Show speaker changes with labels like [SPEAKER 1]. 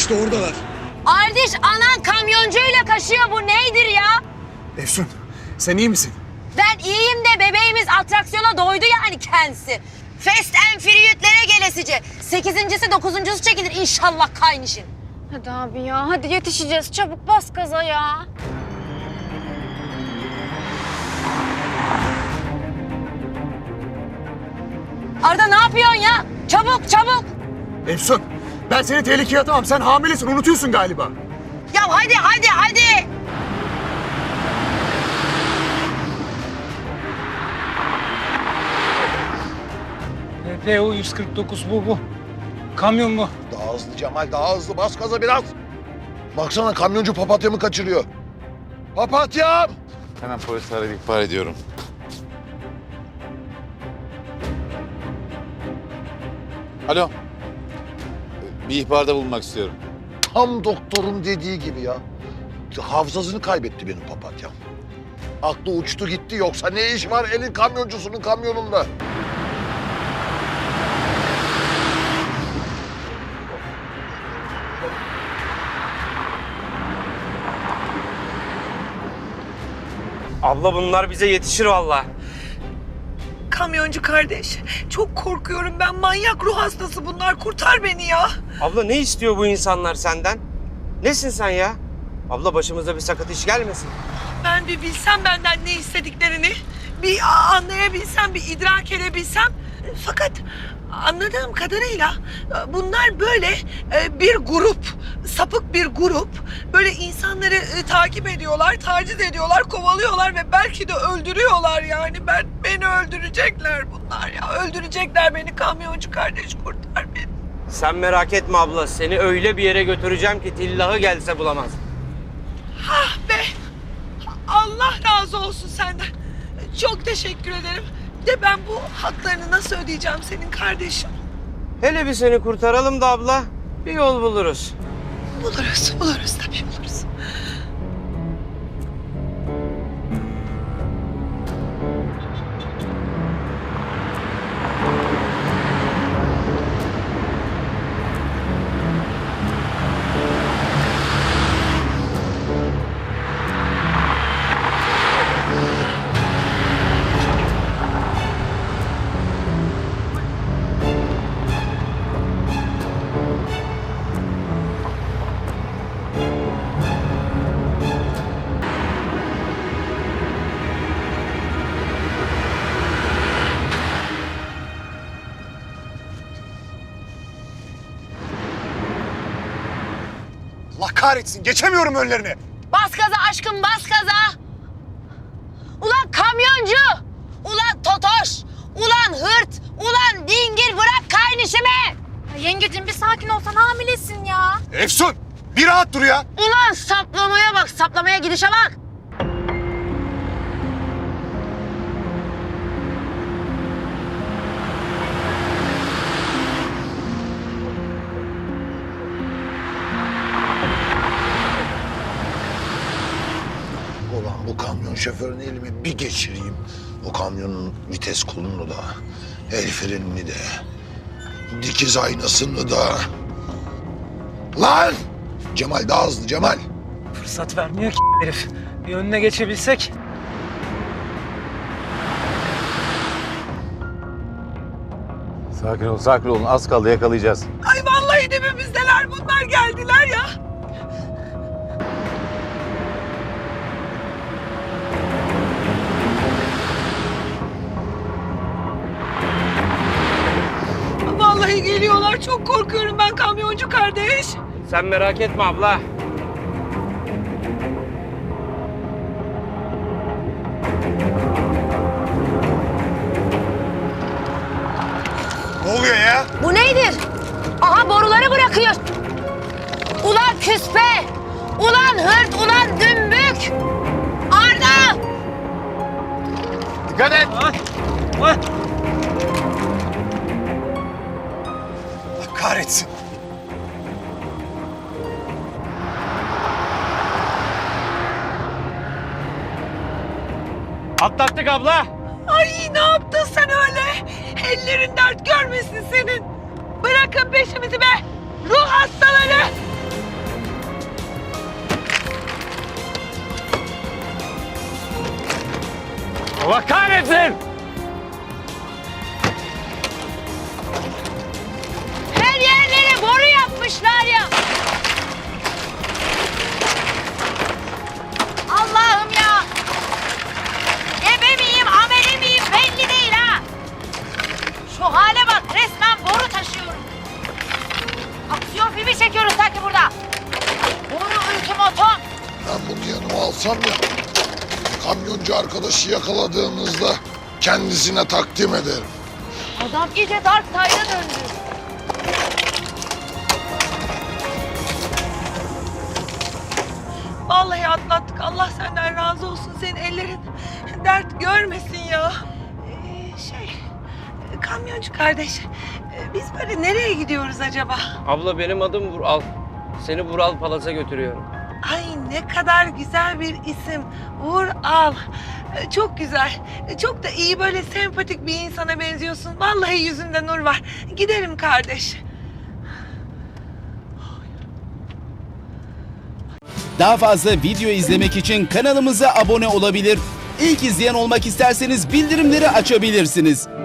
[SPEAKER 1] İşte oradalar.
[SPEAKER 2] Ardiş anan kamyoncuyla kaşıyor, bu neydir ya?
[SPEAKER 1] Efsun, sen iyi misin?
[SPEAKER 2] Ben iyiyim de bebeğimiz atraksiyona doydu yani kendisi. Fast and Furious'lere gelesice. 8.'si 9.'su çekilir inşallah kaynışın.
[SPEAKER 3] Hadi abi ya, hadi yetişeceğiz. Çabuk bas gaza ya.
[SPEAKER 2] Arda ne yapıyorsun ya? Çabuk çabuk.
[SPEAKER 1] Efsun, ben seni tehlikeye atamam. Sen hamilesin, unutuyorsun galiba.
[SPEAKER 2] Ya hadi hadi hadi.
[SPEAKER 4] PO 149 bu. Kamyon bu.
[SPEAKER 5] Daha hızlı Cemal, daha hızlı. Bas gaza biraz. Baksana kamyoncu papatyamı kaçırıyor. Papatyam!
[SPEAKER 6] Hemen polisi arayıp ihbar ediyorum. Alo. Bir ihbarda bulunmak istiyorum.
[SPEAKER 5] Tam doktorun dediği gibi ya. Hafızasını kaybetti benim papatyam. Aklı uçtu gitti, yoksa ne iş var elin kamyoncusunun kamyonunda?
[SPEAKER 7] Abla bunlar bize yetişir vallahi.
[SPEAKER 8] Kamyoncu kardeş, çok korkuyorum ben. Manyak ruh hastası bunlar. Kurtar beni ya.
[SPEAKER 7] Abla ne istiyor bu insanlar senden? Nesin sen ya? Abla başımıza bir sakat iş gelmesin.
[SPEAKER 8] Ben bir bilsem benden ne istediklerini, bir anlayabilsem, bir idrak edebilsem. Fakat anladığım kadarıyla bunlar böyle bir grup, sapık bir grup. Böyle insanları takip ediyorlar, taciz ediyorlar, kovalıyorlar ve belki de öldürüyorlar yani. Beni öldürecekler bunlar ya. Öldürecekler beni, kamyoncu kardeş, kurtar beni.
[SPEAKER 7] Sen merak etme abla. Seni öyle bir yere götüreceğim ki tillahı gelse bulamaz.
[SPEAKER 8] Ah be! Allah razı olsun senden. Çok teşekkür ederim. De ben bu haklarını nasıl ödeyeceğim senin kardeşim?
[SPEAKER 7] Hele bir seni kurtaralım da abla. Bir yol buluruz.
[SPEAKER 8] Buluruz tabii buluruz.
[SPEAKER 1] Allah kahretsin, geçemiyorum önlerine.
[SPEAKER 2] Bas gaza aşkım, bas gaza. Ulan kamyoncu. Ulan totoş. Ulan hırt. Ulan dingil, bırak kaynışımı.
[SPEAKER 3] Ya yengecim bir sakin olsan, hamilesin ya.
[SPEAKER 1] Efsun, bir rahat dur ya.
[SPEAKER 2] Ulan saplamaya bak, saplamaya gidişe bak.
[SPEAKER 5] Ulan bu kamyon şoförünü elime bir geçireyim. O kamyonun vites kolunu da, el frenini de, dikiz aynasını da. Lan! Cemal daha hızlı Cemal.
[SPEAKER 4] Fırsat vermiyor ki herif. Bir önüne geçebilsek.
[SPEAKER 6] Sakin olun. Az kaldı, yakalayacağız.
[SPEAKER 8] Ay vallahi dibimizdeler bunlar, geldiler ya. Vallahi geliyorlar. Çok korkuyorum ben kamyoncu kardeş.
[SPEAKER 7] Sen merak etme abla.
[SPEAKER 1] Ne oluyor ya?
[SPEAKER 2] Bu neydir? Aha boruları bırakıyor. Ulan küspe. Ulan hırt, ulan dümbük. Arda.
[SPEAKER 6] Dikkat et!
[SPEAKER 4] Ay!
[SPEAKER 1] Allah kahretsin.
[SPEAKER 7] Atlattık abla.
[SPEAKER 8] Ay ne yaptın sen öyle? Ellerin dert görmesin senin. Bırakın peşimizi be. Ruh hastaları.
[SPEAKER 4] Allah kahretsin!
[SPEAKER 2] Her yerleri boru yapmışlar ya. Allah'ım ya. Ebe miyim, ameli miyim belli değil ha. Şu hale bak, resmen boru taşıyorum. Aksiyon filmi çekiyoruz sanki burada. Boru ultimatom.
[SPEAKER 5] Ben bunu yanıma alsam ya, kamyoncu arkadaşı yakaladığımızda kendisine takdim ederim.
[SPEAKER 2] Adam iyice Dark Side'a döndü.
[SPEAKER 8] Vallahi atlattık. Allah senden razı olsun. Senin ellerin dert görmesin ya. Kamyoncu kardeş, biz böyle nereye gidiyoruz acaba?
[SPEAKER 7] Abla benim adım Vural. Seni Vural Palas'a götürüyorum.
[SPEAKER 8] Ay ne kadar güzel bir isim. Vural. Çok güzel. Çok da iyi, böyle sempatik bir insana benziyorsun. Vallahi yüzünde nur var. Gidelim kardeş.
[SPEAKER 9] Daha fazla video izlemek için kanalımıza abone olabilir. İlk izleyen olmak isterseniz bildirimleri açabilirsiniz.